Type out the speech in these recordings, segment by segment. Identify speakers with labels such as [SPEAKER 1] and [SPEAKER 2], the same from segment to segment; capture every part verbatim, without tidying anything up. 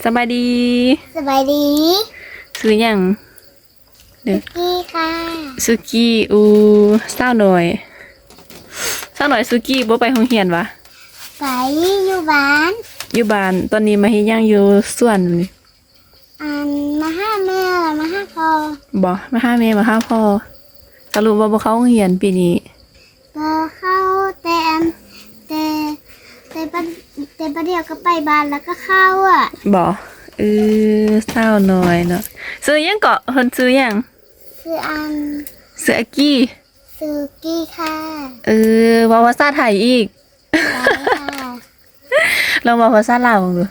[SPEAKER 1] สบายดี
[SPEAKER 2] สบายดี
[SPEAKER 1] ซื้อยัง
[SPEAKER 2] เด็กกี้ค่ะ
[SPEAKER 1] ซูกี้อูเศร้าหน่อยเศร้าหน่อยซูกี้บ่ไปโรงเรียนวะ
[SPEAKER 2] ไปอยู่บ้าน
[SPEAKER 1] อยู่บ้านตอนนี้มาเฮ็ดยังอยู่สวนนี่
[SPEAKER 2] อันมาห้าแม่มาห้าพ่อ
[SPEAKER 1] บ่มาหาแม่มาหาพ่อสรุปว่าบ่เข้าโรงเรียนปีนี้
[SPEAKER 2] บ่เข้าแต่อันแต่แต่ปะแต่ประเดี๋ยวก็ไปบ้านแล้วก็เข้าอ่ะ
[SPEAKER 1] บ่เออเศร้าหน่อยเนาะซื้อยังเกาะเพิ่นซื้อยัง
[SPEAKER 2] ซื้ออัน
[SPEAKER 1] ซื้ออากี้
[SPEAKER 2] ซื้อกี้ค่ะ
[SPEAKER 1] เออเว้าภาษาไทยอีก
[SPEAKER 2] ค่ะ
[SPEAKER 1] ลองเว้าภาษาลาวดู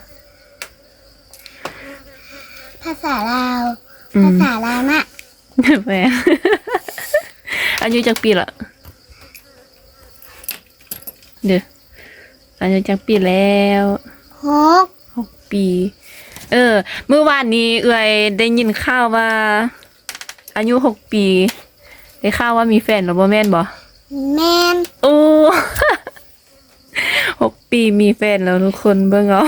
[SPEAKER 2] ภาษาลาวภาษาลาวน่ะ
[SPEAKER 1] แหมอายุจักปีละเด้ออายุจักปีแล้ว
[SPEAKER 2] หก
[SPEAKER 1] หกปีเออเมื่อวานนี้เอื้อยได้ยินข่าวว่าอายุหกปีได้ข่าวว่ามีแฟนหรือบ่แม่นบ่
[SPEAKER 2] แม่น
[SPEAKER 1] โอ้หกปีมีแฟนแล้วทุกคนเบิ่งเอา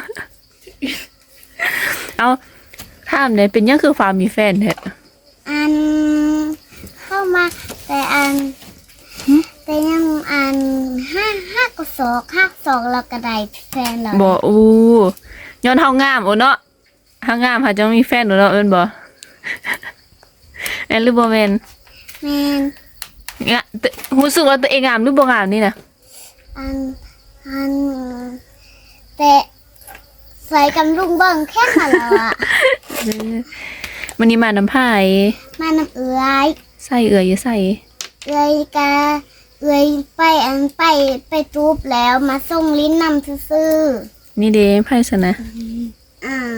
[SPEAKER 1] เอาถามได้เป็นยังคือฟ้ามีแฟนแท้
[SPEAKER 2] อันเข้ามาแต่อันแต่ยังอันห้าห้ากศอกห้าศอกเราก็ได้แฟนแล้ว
[SPEAKER 1] บ่อู้ย้อนเฮางามโอ้เนาะเฮางามหาจังมีแฟนเนาะเอิ้นบ่แม่นหรือบ่แม่น
[SPEAKER 2] แม่น
[SPEAKER 1] งะรู้สึกว่าตัวเองงามหรือบ่งามนี่น่ะ
[SPEAKER 2] อันอันแต่ใส่กำลุงเบิ่งแค่นั้นแล้วอ่ะ
[SPEAKER 1] วันนี้มานำไผ
[SPEAKER 2] มาน้ำเอื้อย
[SPEAKER 1] ใส่เอื้อยอยู่ใส่
[SPEAKER 2] เอื้อยกะเอื้อยไปอันไปไปจูบแล้วมาส่งลิ้นนำซื่อ
[SPEAKER 1] ๆนี่เด้ไผซะนะ
[SPEAKER 2] อ่า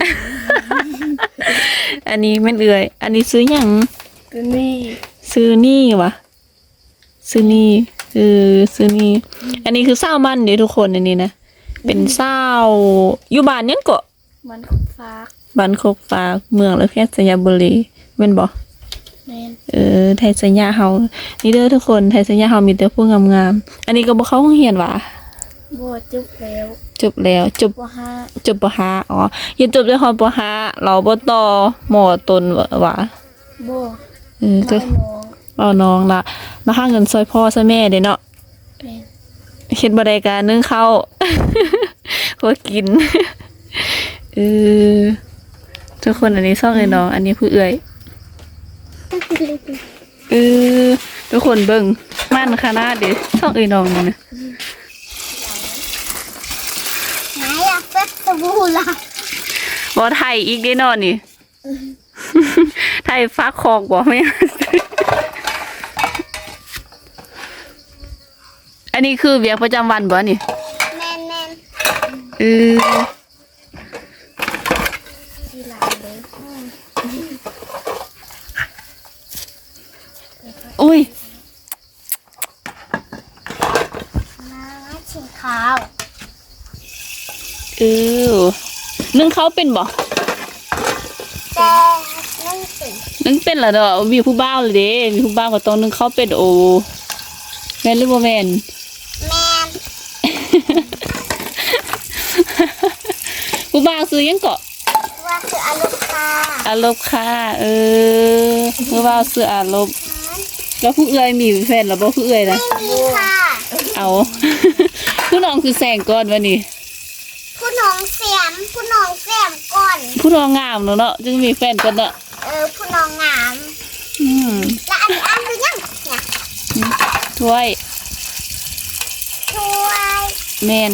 [SPEAKER 1] อันนี้แม่นเอื้อยอันนี้ซื้อหยัง
[SPEAKER 2] ซื้อนี่
[SPEAKER 1] ซื้อนี่วะซื้อนี่เออซื้อนี่อันนี้คือเศร้ามันเด้ทุกคนอันนี้นะเป็นเศร้าอยู่บ้านยังเกาะ
[SPEAKER 2] บ้านโคกฟ้า
[SPEAKER 1] บ้านโคกฟ้าเมืองละแพทย์สยามบุรีแม่นบ่
[SPEAKER 2] แม่น
[SPEAKER 1] เออไทยสัญญาเฮานี่เด้อทุกคนไทยสัญญาเฮามีแต่ผู้งามๆอันนี้ก็บ่เข้าโรงเรียนว่ะ
[SPEAKER 2] บ่จบแล้ว
[SPEAKER 1] จบแล้วจบ
[SPEAKER 2] ป.ห้า
[SPEAKER 1] จบป.ห้าอ๋อยันจบได้ฮอดป.ห้าเราบ่ต่อมอต้นว่ะ
[SPEAKER 2] บ่
[SPEAKER 1] เออก็เอาน้องล่ะมาหาเงินซอยพ่อซอยแม่เด้เนาะ
[SPEAKER 2] แม่น
[SPEAKER 1] เฮ็ดบ่ได้ก็นึ่งข้าวพอกินเออทุกคนอันนี้ซ่องไอ้น้องอันนี้ผู้เอื้อยเออทุกคนเบิ่งม่านขนาดเด้ซ่องไอ้น้องนี่นะ
[SPEAKER 2] ไหนอ่ะเป็ดตะบูล่ะ
[SPEAKER 1] บ่ไทยอีกเด้เนาะนี่ไทยฟ้าคอกบ่แม่อันนี้คือเวียกประจำวันบ่นี่
[SPEAKER 2] แม่นแม่น
[SPEAKER 1] เออ
[SPEAKER 2] ที่ร้านเลย
[SPEAKER 1] อุ้ย
[SPEAKER 2] มาชิมข้าว
[SPEAKER 1] เออนึ่งเขาเป็นบ่
[SPEAKER 2] แต่นึ่งเป็น
[SPEAKER 1] นึ่งเป็นเหรอเด้อมีผู้บ่าวเลยเด้มีผู้บ่าวก็ต้องนึ่งเขาเป็นโอแม่นหรือบ่แม่น
[SPEAKER 2] แม่น
[SPEAKER 1] ผู้บ่าวซื้อยังเกาะ
[SPEAKER 2] ว่าคืออารมณ์ค่ะ
[SPEAKER 1] อารมณ์ค่ะเออผู้บ่าวซื้ออารมณ์แล้วผู้เอื้อยมีแฟนหรือบ่ผู้เอื้อยนะ
[SPEAKER 2] ไม่มีค่ะ
[SPEAKER 1] เอาผู้น้องคือแสงก่อนวะนี่
[SPEAKER 2] ผู้น้องเสียมผู้น้องเสียมก่อน
[SPEAKER 1] ผู้น้องงามเนาะเนาะจึงมีแฟนก่อนเนาะ
[SPEAKER 2] เออผู้น้องงาม
[SPEAKER 1] อืม
[SPEAKER 2] แล้วอันนี้อันคือยังเนี่ย
[SPEAKER 1] ถ้วย
[SPEAKER 2] ถ้วย
[SPEAKER 1] แม่น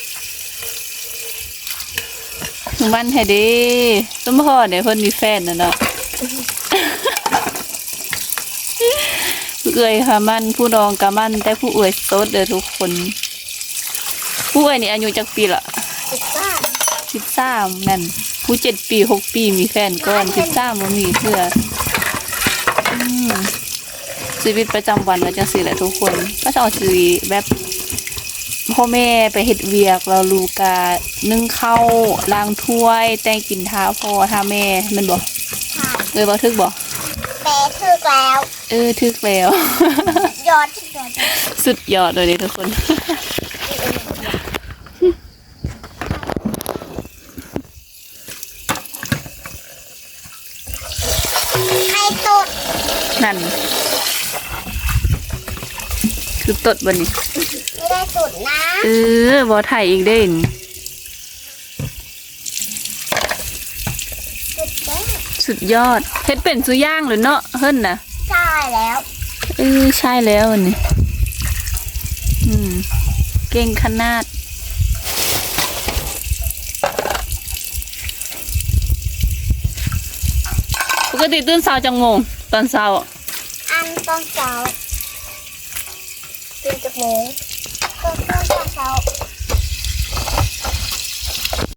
[SPEAKER 1] วันให้ดีสมพรเนี่ยเพิ่นมีแฟนน่ะเนาะผู้เอื้อยค่ะมันผู้น้องก็มันแต่ผู้เอื้อยโสดเด้อทุกคนผู้เอื้อยนี่อายุจักปีละ
[SPEAKER 2] สิบสาม
[SPEAKER 1] สิบสามนั่นผู้เจ็ดปีหกปีมีแฟนก่อนสิบสามบ่มีเทื่ออืมชีวิตประจำวันก็จังซี่แหละทุกคนก็จะเอาชีวิตแบบพ่อแม่ไปเฮ็ดเวียกเราลูกก็นึ่งข้าวล้างถ้วยแต่งกินท้าพ่อท้าแม่แม่นบ่เอ้ยบ่ถึกบ่
[SPEAKER 2] แปะถึกแล้ว
[SPEAKER 1] เออถึกแล้ว
[SPEAKER 2] ยอด
[SPEAKER 1] สุดยอดเลยทุกคนนั่นคือตดบันนี้
[SPEAKER 2] ไม่ได้สุดนะ
[SPEAKER 1] เออบอถ่ายอีกได้น
[SPEAKER 2] สุดแล้ว
[SPEAKER 1] สุดยอดเฮ็ดเป็นสุย่างหรือเนาะเฮิ่นนะ
[SPEAKER 2] ใช่แล้ว
[SPEAKER 1] เออใช่แล้วอันนี่อืมเก่งขนาดปกติตื่นเช้าจังโมงตอนเช้าอะ
[SPEAKER 2] อันตอนเช้าตื่นจากโมงก็ตอนเช้า